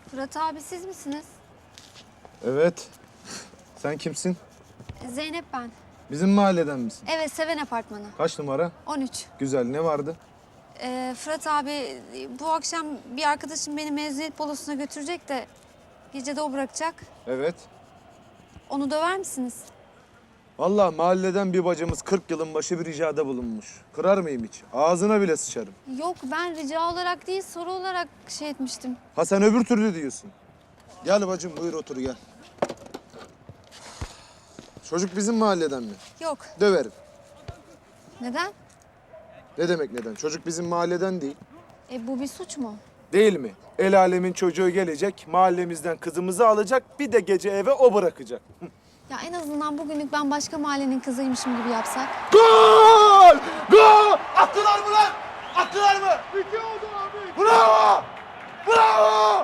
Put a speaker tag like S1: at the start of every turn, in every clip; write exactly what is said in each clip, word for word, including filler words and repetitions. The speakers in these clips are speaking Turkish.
S1: Fırat abi siz misiniz?
S2: Evet. Sen kimsin?
S1: Zeynep ben.
S2: Bizim mahalleden misin?
S1: Evet, Seven Apartmanı.
S2: Kaç numara?
S1: on üç.
S2: Güzel. Ne vardı?
S1: Ee, Fırat abi bu akşam bir arkadaşım beni mezuniyet balosuna götürecek de gece de o bırakacak.
S2: Evet.
S1: Onu döver misiniz?
S2: Vallahi mahalleden bir bacımız kırk yılın başı bir ricada bulunmuş. Kırar mıyım hiç? Ağzına bile sıçarım.
S1: Yok, ben rica olarak değil soru olarak şey etmiştim.
S2: Ha sen öbür türlü diyorsun. Gel bacım buyur otur gel. Çocuk bizim mahalleden mi?
S1: Yok.
S2: Döverim.
S1: Neden?
S2: Ne demek neden? Çocuk bizim mahalleden değil.
S1: E bu bir suç mu?
S2: Değil mi? El alemin çocuğu gelecek, mahallemizden kızımızı alacak, bir de gece eve o bırakacak.
S1: Ya en azından bugünlük ben başka mahallenin kızıymışım gibi yapsak.
S2: Gol! Gol! Attılar mı lan? Attılar mı? İki oldu abi. Bravo! Bravo!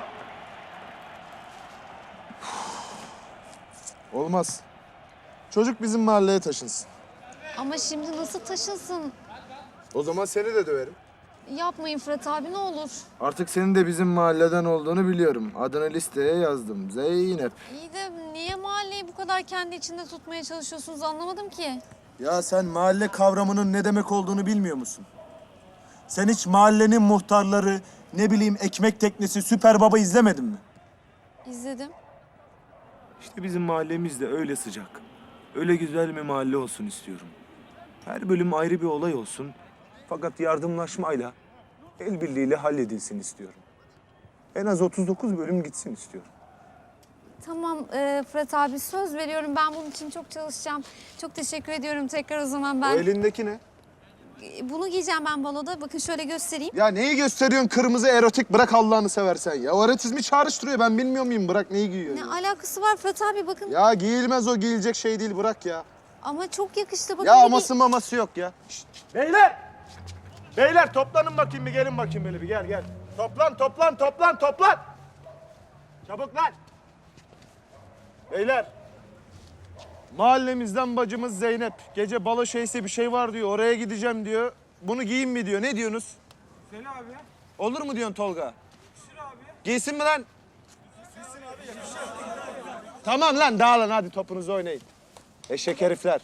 S2: Olmaz. Çocuk bizim mahalleye taşınsın.
S1: Ama şimdi nasıl taşınsın?
S2: O zaman seni de döverim.
S1: Yapmayın Fırat abi, ne olur.
S2: Artık senin de bizim mahalleden olduğunu biliyorum. Adını listeye yazdım. Zeynep.
S1: İyi de niye mahalleyi bu kadar kendi içinde tutmaya çalışıyorsunuz anlamadım ki.
S3: Ya sen mahalle kavramının ne demek olduğunu bilmiyor musun? Sen hiç mahallenin muhtarları, ne bileyim ekmek teknesi, Süper Baba izlemedin mi?
S1: İzledim.
S4: İşte bizim mahallemiz de öyle sıcak. Öyle güzel bir mahalle olsun istiyorum. Her bölüm ayrı bir olay olsun. Fakat yardımlaşmayla, el birliğiyle halledilsin istiyorum. En az otuz dokuz bölüm gitsin istiyorum.
S1: Tamam e, Fırat abi, söz veriyorum, ben bunun için çok çalışacağım. Çok teşekkür ediyorum tekrar o zaman
S2: O
S1: ben.
S2: elindeki ne?
S1: E, Bunu giyeceğim ben baloda. Bakın şöyle göstereyim.
S2: Ya neyi gösteriyorsun kırmızı erotik? Bırak Allah'ını seversen ya. O erotizmi çağrıştırıyor. Ben bilmiyor muyum? Bırak neyi giyiyor?
S1: Ne
S2: Ya?
S1: alakası var Fırat abi, bakın.
S2: ya giyilmez o, giyilecek şey değil. Bırak ya.
S1: Ama çok yakıştı, bakın.
S2: Ya
S1: bir giy-
S2: aması maması yok ya. Şişt.
S4: Beyler! Beyler toplanın bakayım bir, gelin bakayım böyle bir, gel gel. Toplan, toplan, toplan, toplan! Çabuk lan! Beyler!
S2: Mahallemizden bacımız Zeynep. Gece balo şeysi bir şey var diyor. Oraya gideceğim diyor. Bunu giyin mi diyor. Ne diyorsunuz?
S4: Söyle abi.
S2: Olur mu diyorsun Tolga?
S4: Yakışır abi.
S2: Giysin mi lan? Tamam lan dağılın hadi topunuzu oynayın. Eşek herifler.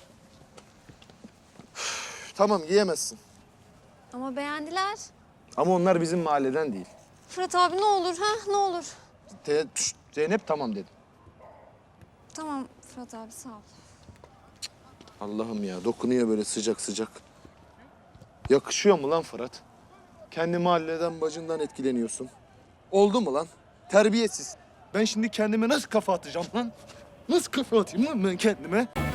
S2: Üf, tamam giyemezsin.
S1: Ama beğendiler.
S2: Ama onlar bizim mahalleden değil.
S1: Fırat abi ne olur, ha ne olur.
S2: Te- Şşt, Zeynep tamam dedim.
S1: Tamam Fırat abi, sağ ol.
S2: Allah'ım ya dokunuyor böyle sıcak sıcak. Yakışıyor mu lan Fırat? Kendi mahalleden bacından etkileniyorsun. Oldu mu lan? Terbiyesiz. Ben şimdi kendime nasıl kafa atacağım lan? Nasıl kafa atayım lan ben kendime?